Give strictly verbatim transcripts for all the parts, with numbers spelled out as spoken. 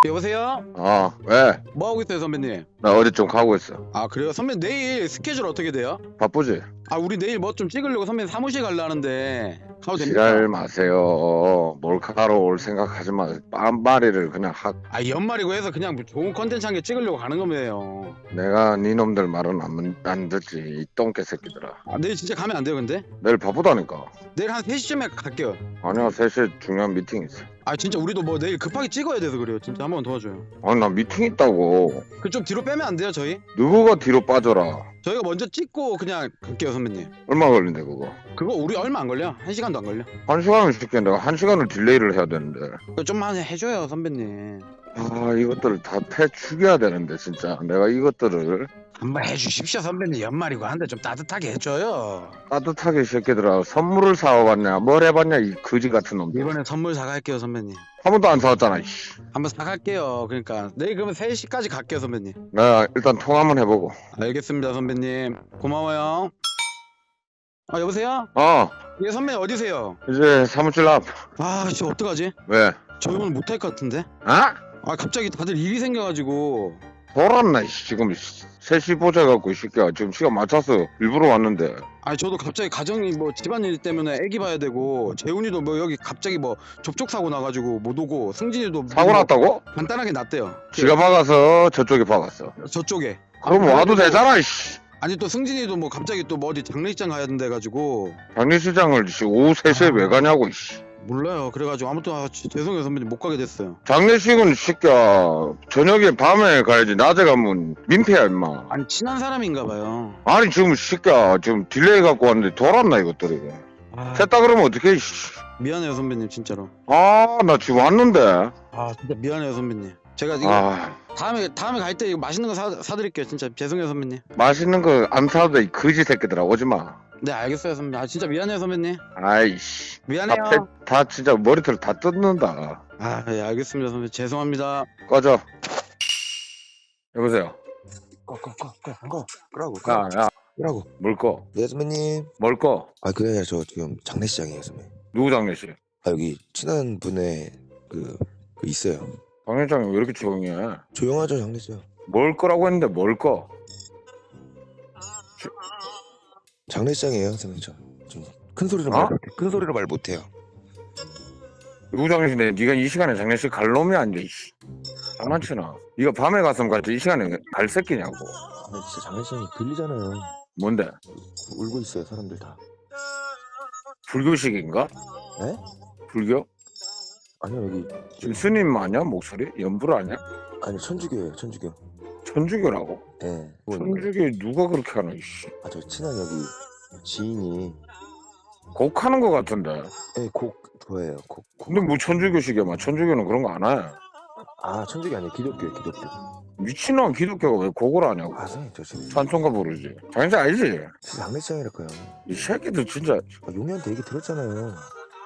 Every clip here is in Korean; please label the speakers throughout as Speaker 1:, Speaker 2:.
Speaker 1: 여보세요?
Speaker 2: 어, 왜?
Speaker 1: 뭐 하고 있어요, 선배님?
Speaker 2: 나 어디 좀 가고 있어.
Speaker 1: 아, 그래요? 선배님 내일 스케줄 어떻게 돼요?
Speaker 2: 바쁘지?
Speaker 1: 아, 우리 내일 뭐 좀 찍으려고 선배님 사무실 가려는데 가도
Speaker 2: 지랄
Speaker 1: 됩니까?
Speaker 2: 마세요. 몰카로 올 생각하지 마. 빤마리를 그냥 확.
Speaker 1: 아, 연말이고 해서 그냥 뭐 좋은 컨텐츠 한 개 찍으려고 가는 거예요.
Speaker 2: 내가 니놈들 말은 안, 안 듣지. 이 똥개 새끼들아.
Speaker 1: 아, 내일 진짜 가면 안 돼요, 근데?
Speaker 2: 내일 바쁘다니까.
Speaker 1: 내일 한 세 시쯤에 갈게요.
Speaker 2: 아니야, 세 시에 중요한 미팅 있어.
Speaker 1: 아, 진짜 우리도 뭐 내일 급하게 찍어야 돼서 그래요. 진짜 한번 도와줘요.
Speaker 2: 아니, 나 미팅 있다고.
Speaker 1: 그 좀 뒤로 빼면 안 돼요, 저희?
Speaker 2: 누구가 뒤로 빠져라.
Speaker 1: 저희가 먼저 찍고 그냥 갈게요, 선배님.
Speaker 2: 얼마 걸린대, 그거?
Speaker 1: 그거 우리 얼마 안 걸려. 한 시간도 안 걸려.
Speaker 2: 한 시간을 쉽게 내가 한 시간을 딜레이를 해야 되는데.
Speaker 1: 그거 좀만 해줘요, 선배님.
Speaker 2: 아, 이것들을 다 패 죽여야 되는데, 진짜. 내가 이것들을
Speaker 1: 한번 해주십시오, 선배님. 연말이고 한데 좀 따뜻하게 해줘요.
Speaker 2: 따뜻하게 이 새끼들아. 선물을 사와봤냐? 뭘 해봤냐? 이 거지 같은 놈들.
Speaker 1: 이번에 선물 사갈게요, 선배님.
Speaker 2: 한 번도 안 사왔잖아, 이씨.
Speaker 1: 한번 사갈게요. 그러니까 내일 그러면 세 시까지 갈게요, 선배님.
Speaker 2: 나 일단 통화 한번 해보고.
Speaker 1: 알겠습니다, 선배님. 고마워요. 아, 여보세요?
Speaker 2: 어,
Speaker 1: 예, 선배님 어디세요?
Speaker 2: 이제 사무실 앞.
Speaker 1: 아, 진짜 어떡하지?
Speaker 2: 왜?
Speaker 1: 저 오늘 못할 것 같은데?
Speaker 2: 아?
Speaker 1: 아, 갑자기 다들 일이 생겨가지고.
Speaker 2: 돌았나, 이씨. 지금 세 시 보자 갖고, 이 새끼야. 지금 시간 맞춰서 일부러 왔는데.
Speaker 1: 아니, 저도 갑자기 가정이 뭐 집안일 때문에 애기 봐야 되고, 재훈이도 뭐 여기 갑자기 뭐 접촉 사고 나가지고 못 오고, 승진이도
Speaker 2: 사고
Speaker 1: 뭐
Speaker 2: 났다고?
Speaker 1: 간단하게 났대요.
Speaker 2: 지가 박아서 저쪽에 박았어.
Speaker 1: 저쪽에.
Speaker 2: 그럼
Speaker 1: 아,
Speaker 2: 와도
Speaker 1: 그래도-
Speaker 2: 되잖아, 이씨.
Speaker 1: 아니 또 승진이도 뭐 갑자기 또 뭐 어디 장례식장 가야 된다 해가지고
Speaker 2: 장례식장을 씨, 오후 세 시에
Speaker 1: 아.
Speaker 2: 왜 가냐고, 이씨.
Speaker 1: 몰라요. 그래가지고 아무튼 아, 지- 죄송해요 선배님 못 가게 됐어요.
Speaker 2: 장례식은 이 새끼야. 저녁에 밤에 가야지. 낮에 가면 민폐야, 임마.
Speaker 1: 아니 친한 사람인가 봐요.
Speaker 2: 아니, 지금 이 새끼야. 지금 딜레이 갖고 왔는데 돌았나, 이것들이.
Speaker 1: 아,
Speaker 2: 셋다 그러면 어떡해, 이씨.
Speaker 1: 미안해요 선배님 진짜로.
Speaker 2: 아, 나 지금 왔는데.
Speaker 1: 아 진짜 미안해요 선배님. 제가 이거
Speaker 2: 아,
Speaker 1: 다음에 다음에 갈 때 이거 맛있는 거 사, 사드릴게요. 진짜 죄송해요 선배님.
Speaker 2: 맛있는 거 안 사도 돼, 이 거지 새끼들아. 오지 마.
Speaker 1: 네 알겠어요 선배님. 아 진짜 미안해요 선배님.
Speaker 2: 아이씨. 다,
Speaker 1: 미안해요.
Speaker 2: 패, 다 진짜 머리털 다 뜯는다.
Speaker 1: 아 예 알겠습니다 선배님. 죄송합니다.
Speaker 2: 꺼져. 여보세요.
Speaker 3: 꺼꺼꺼꺼꺼 끄라고
Speaker 2: 야, 야,
Speaker 3: 끄라고.
Speaker 2: 뭘 꺼?
Speaker 3: 네 선배님.
Speaker 2: 뭘 꺼?
Speaker 3: 아 그게 아니라 저 지금 장례식장이에요 선배님.
Speaker 2: 누구 장례식?
Speaker 3: 아 여기 친한 분의 그, 그 있어요.
Speaker 2: 장례장이 왜 이렇게 조용히 해?
Speaker 3: 조용하죠 장례식.
Speaker 2: 뭘 꺼라고 했는데 뭘 꺼?
Speaker 3: 장례식장이에요 선배님. 저큰 소리로
Speaker 2: 어?
Speaker 3: 말 못해. 큰 소리로 말 못해요.
Speaker 2: 누구 장례식인데 네가 이 시간에 장례식 갈 놈이 아니야, 이씨. 장난치나. 네가 밤에 갔으면 갔지 이 시간에 갈 새끼냐고.
Speaker 3: 아니 진짜 장례식장이 들리잖아요.
Speaker 2: 뭔데?
Speaker 3: 울고 있어요 사람들 다.
Speaker 2: 불교식인가?
Speaker 3: 네?
Speaker 2: 불교?
Speaker 3: 아니요 여기
Speaker 2: 지금 스님 아니야? 목소리? 연불 아니야?
Speaker 3: 아니 천주교예요 천주교.
Speaker 2: 천주교라고?
Speaker 3: 예. 네.
Speaker 2: 천주교 누가 그렇게 하나, 이씨.
Speaker 3: 아저 친한 여기 지인이
Speaker 2: 곡하는 거 같은데.
Speaker 3: 예곡 좋아해요 곡.
Speaker 2: 근데 뭐 천주교식이야, 막 천주교는 그런 거 안 해.
Speaker 3: 아 천주교 아니에요 기독교예요 기독교.
Speaker 2: 미친놈 기독교가 왜 곡을 하냐고.
Speaker 3: 아 선생님 저 지금
Speaker 2: 찬송가 부르지. 장례식 알지?
Speaker 3: 진짜 장례식장이랄까요.
Speaker 2: 이 새끼들 진짜
Speaker 3: 아, 용이한테 얘기 들었잖아요.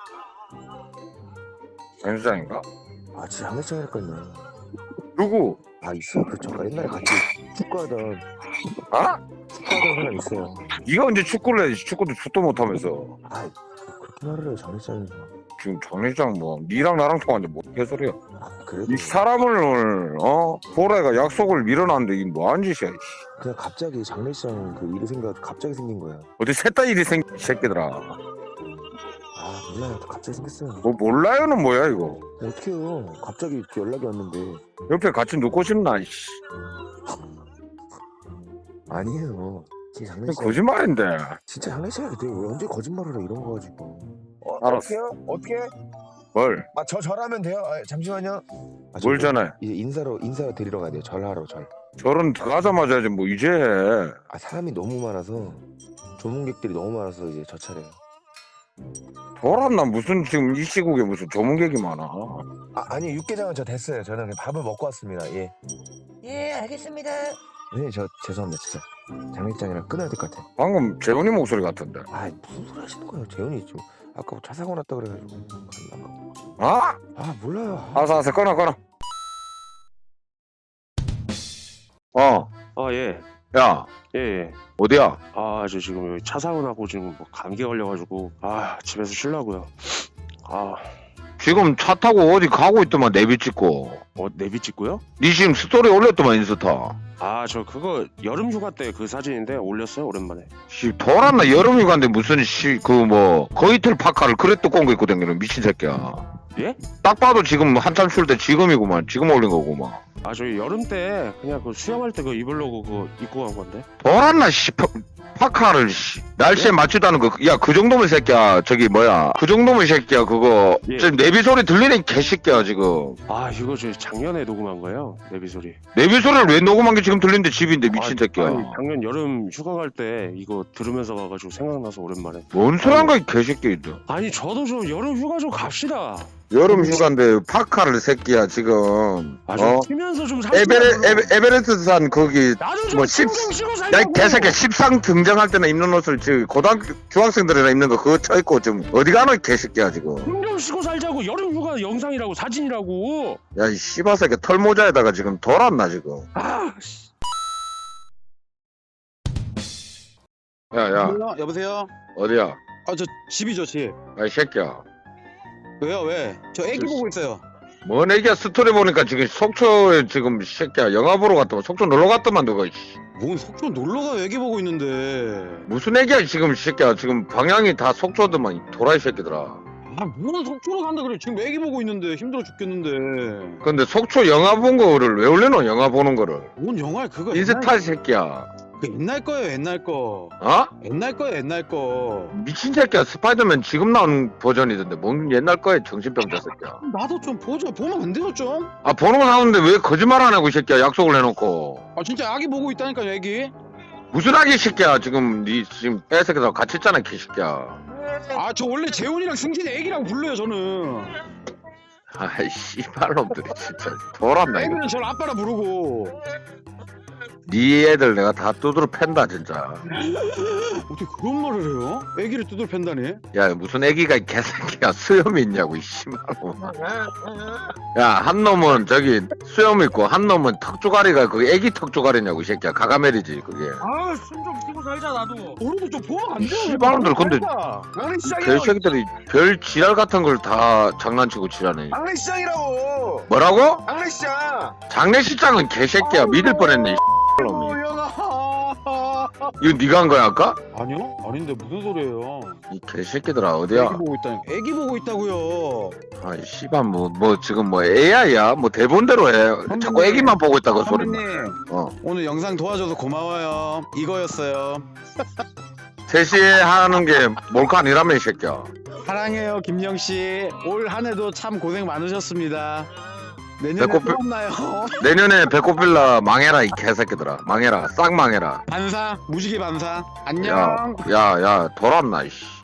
Speaker 2: 장례식장인가?
Speaker 3: 아 진짜 장례식장이랄까요.
Speaker 2: 누구?
Speaker 3: 아 있어요. 그 저가 옛날에 같이 축구하던
Speaker 2: 아?
Speaker 3: 축구하던 사람 있어요.
Speaker 2: 네가 언제 축구를 해? 축구도 축도 못하면서.
Speaker 3: 아 그렇게 말을 해요 장례식장에서.
Speaker 2: 지금 장례식장 뭐 니랑 나랑 통화인데 뭐 개소리야.
Speaker 3: 아 그래도
Speaker 2: 이 사람을 오늘 어? 보라가 약속을 밀어놨는데 이게 뭐한 짓이야, 이씨.
Speaker 3: 그냥 갑자기 장례식장 그 일이 생겨 갑자기 생긴 거예요.
Speaker 2: 어디 셋다 일이 생 이 새끼들아.
Speaker 3: 아 몰라요. 갑자기 생겼어요.
Speaker 2: 뭐 몰라요는 뭐야 이거.
Speaker 3: 어떡해요. 갑자기 이렇게 연락이 왔는데.
Speaker 2: 옆에 같이 눕고 싶나, 이씨.
Speaker 3: 아니에요. 진짜 장례식
Speaker 2: 거짓말인데.
Speaker 3: 진짜 장례식장이 돼. 왜 언제 거짓말을 해 이런 거 가지고. 어,
Speaker 2: 알았어.
Speaker 3: 어떻게요? 어떻게?
Speaker 2: 뭘?
Speaker 3: 아 저 절하면 돼요. 아, 잠시만요. 아,
Speaker 2: 뭘
Speaker 3: 저,
Speaker 2: 전해?
Speaker 3: 이제 인사로 인사 드리러 가야 돼요. 절하러 절.
Speaker 2: 저런 들어가자마자 이제 뭐 이제 해.
Speaker 3: 아 사람이 너무 많아서 조문객들이 너무 많아서 이제 저 차례예요.
Speaker 2: 돌았나 무슨 지금 이 시국에 무슨 조문객이 많아.
Speaker 3: 아 아니 육개장은 저 됐어요. 저는 그냥 밥을 먹고 왔습니다. 예.
Speaker 4: 예, 알겠습니다.
Speaker 3: 네, 저 죄송합니다, 진짜. 장례식장이랑 끊어야 될 것 같아.
Speaker 2: 방금 재훈이 목소리 같은데.
Speaker 3: 아, 무슨 소리 하시는 거예요, 재훈이 지금. 아까 뭐 차 사고 났다 그래가지고. 갔나 봐.
Speaker 2: 아?
Speaker 3: 아, 몰라요. 아,
Speaker 2: 알았어 알았어 끊어 끊어. 어.
Speaker 5: 아, 예.
Speaker 2: 야
Speaker 5: 예, 예.
Speaker 2: 어디야?
Speaker 5: 아, 저 지금 여기 차 사고 나고 지금 뭐 감기 걸려가지고, 아, 집에서 쉬려고요. 아,
Speaker 2: 지금 차 타고 어디 가고 있더만 내비 찍고.
Speaker 5: 어 내비 찍고요?
Speaker 2: 니 지금 스토리 올렸더만 인스타.
Speaker 5: 아 저 그거 여름 휴가 때 그 사진인데 올렸어요 오랜만에.
Speaker 2: 씨 돌았나 여름 휴가인데 무슨 씨 그 뭐 거이틀 파카를 그래 두꺼운 거 입고 다니는 미친 새끼야.
Speaker 5: 예?
Speaker 2: 딱 봐도 지금 한참 출 때 지금이구만. 지금 올린 거구만.
Speaker 5: 아 저희 여름 때 그냥 그 수영할 때 그 입으려고 그거 입고 간 건데.
Speaker 2: 돌았나 씨 파, 파카를 씨 날씨에 맞추다는 거 야 그 정도면 새끼야 저기 뭐야 그 정도면 새끼야 그거
Speaker 5: 예.
Speaker 2: 지금 내비 소리 들리는 개새끼야 지금.
Speaker 5: 아 이거 저 작년에 녹음한 거예요 내비 소리.
Speaker 2: 내비 소리를 왜 녹음한 게 지금 들리는데 집인데 미친
Speaker 5: 아,
Speaker 2: 새끼야.
Speaker 5: 아니, 작년 여름 휴가 갈 때 이거 들으면서 가가지고 생각나서 오랜만에.
Speaker 2: 뭔 소리 한 거야 이 개새끼들.
Speaker 5: 아니 저도 좀 여름 휴가 좀 갑시다.
Speaker 2: 여름 휴가인데 파카를 새끼야 지금.
Speaker 5: 아 좀
Speaker 2: 어?
Speaker 5: 쉬면서 좀
Speaker 2: 에베레,
Speaker 5: 살자.
Speaker 2: 에베, 에베레스트산 거기
Speaker 5: 나도 좀
Speaker 2: 뭐 십-
Speaker 5: 신경 쓰고
Speaker 2: 야 이
Speaker 5: 살자고.
Speaker 2: 개새끼야 십상 등장할 때나 입는 옷을 지금 고등학교 중학생들이나 입는 거 그거 쳐입고 지금 어디 가노 이 개새끼야 지금.
Speaker 5: 신경 쓰고 살자고. 여름 휴가 영상이라고 사진이라고.
Speaker 2: 야 이 씨바새끼 털모자에다가 지금 돌았나 지금.
Speaker 5: 아 씨.
Speaker 2: 야야
Speaker 1: 여보세요?
Speaker 2: 어디야?
Speaker 1: 아 저 집이죠 집.
Speaker 2: 야 이 새끼야
Speaker 1: 왜요 왜? 저 애기
Speaker 2: 저-
Speaker 1: 보고 있어요.
Speaker 2: 뭔 애기야 스토리 보니까 지금 속초에 지금 이 새끼야 영화 보러 갔더만 속초 놀러 갔더만 너가 씨.
Speaker 1: 뭔 속초 놀러 가요 애기 보고 있는데.
Speaker 2: 무슨 애기야 지금 이 새끼야 지금 방향이 다 속초더만 이 도라이 새끼들아.
Speaker 1: 아뭔 속초로 간다 그래. 지금 애기 보고 있는데 힘들어 죽겠는데.
Speaker 2: 근데 속초 영화 본 거를 왜 올려놓 영화 보는 거를.
Speaker 1: 뭔 영화야 그거.
Speaker 2: 인스타 새끼야.
Speaker 1: 그 옛날 거예요 옛날 거.
Speaker 2: 어?
Speaker 1: 옛날 거예요 옛날 거.
Speaker 2: 미친 새끼야 스파이더맨 지금 나온 버전이던데 뭔 옛날 거에 정신병자 새끼야.
Speaker 1: 나도 좀 보죠. 보면 안 돼요 좀?
Speaker 2: 아 보는 거 나오는데 왜 거짓말 안 하고 이 새끼야 약속을 해놓고.
Speaker 1: 아 진짜 아기 보고 있다니까요 애기.
Speaker 2: 무슨 아기 새끼야 지금 니 지금 애새끼들 같이 있잖아 개새끼야.
Speaker 1: 아 저 원래 재훈이랑 승진이 애기라고 불러요 저는.
Speaker 2: 아이 씨발놈들이 진짜 돌았나 이거.
Speaker 1: 애기는 저를 아빠라 부르고.
Speaker 2: 니 애들 내가 다 두드러 팬다 진짜.
Speaker 1: 어떻게 그런 말을 해요? 애기를 두들 팬다니?
Speaker 2: 야 무슨 애기가 이 개새끼야 수염이 있냐고 이 씨발놈. 야한 놈은 저기 수염 있고 한 놈은 턱조가리가 그게 애기 턱조가리냐고 이 새끼야. 가가멜이지 그게.
Speaker 1: 아숨 좀 쉬고 살자 나도. 우리도 좀 보면 안 돼요?
Speaker 2: 씨발놈들 근데
Speaker 1: 막내 시장이라고.
Speaker 2: 개새끼들이 별 지랄 같은 걸 다 장난치고 지랄해.
Speaker 1: 막내 시장이라고.
Speaker 2: 뭐라고?
Speaker 1: 막내 시장.
Speaker 2: 장례식장은 개새끼야. 믿을 뻔했네 이 씨발놈이.
Speaker 1: 영아.
Speaker 2: 이거 네가 한 거야 아까?
Speaker 1: 아니요? 아닌데 무슨 소리예요?
Speaker 2: 이 개새끼들아
Speaker 1: 애기
Speaker 2: 어디야?
Speaker 1: 보고 있다니. 애기 보고 있다고요.
Speaker 2: 아이 씨발 뭐 뭐 지금 뭐 에이아이야? 뭐 대본대로 해. 자꾸 애기만 보고 있다고 소리.
Speaker 1: 선배님
Speaker 2: 어.
Speaker 1: 오늘 영상 도와줘서 고마워요. 이거였어요.
Speaker 2: 셋이 하는 게 몰카 아니라며 이 새끼야.
Speaker 1: 사랑해요 김영 씨. 올 한해도 참 고생 많으셨습니다. 내년에
Speaker 2: 배꼽-
Speaker 1: 또 만나요.
Speaker 2: 내년에 배꼽빌라 망해라 이 개새끼들아. 망해라. 싹 망해라.
Speaker 1: 반사 무지개 반사. 안녕.
Speaker 2: 야, 야, 야, 돌았나 이씨.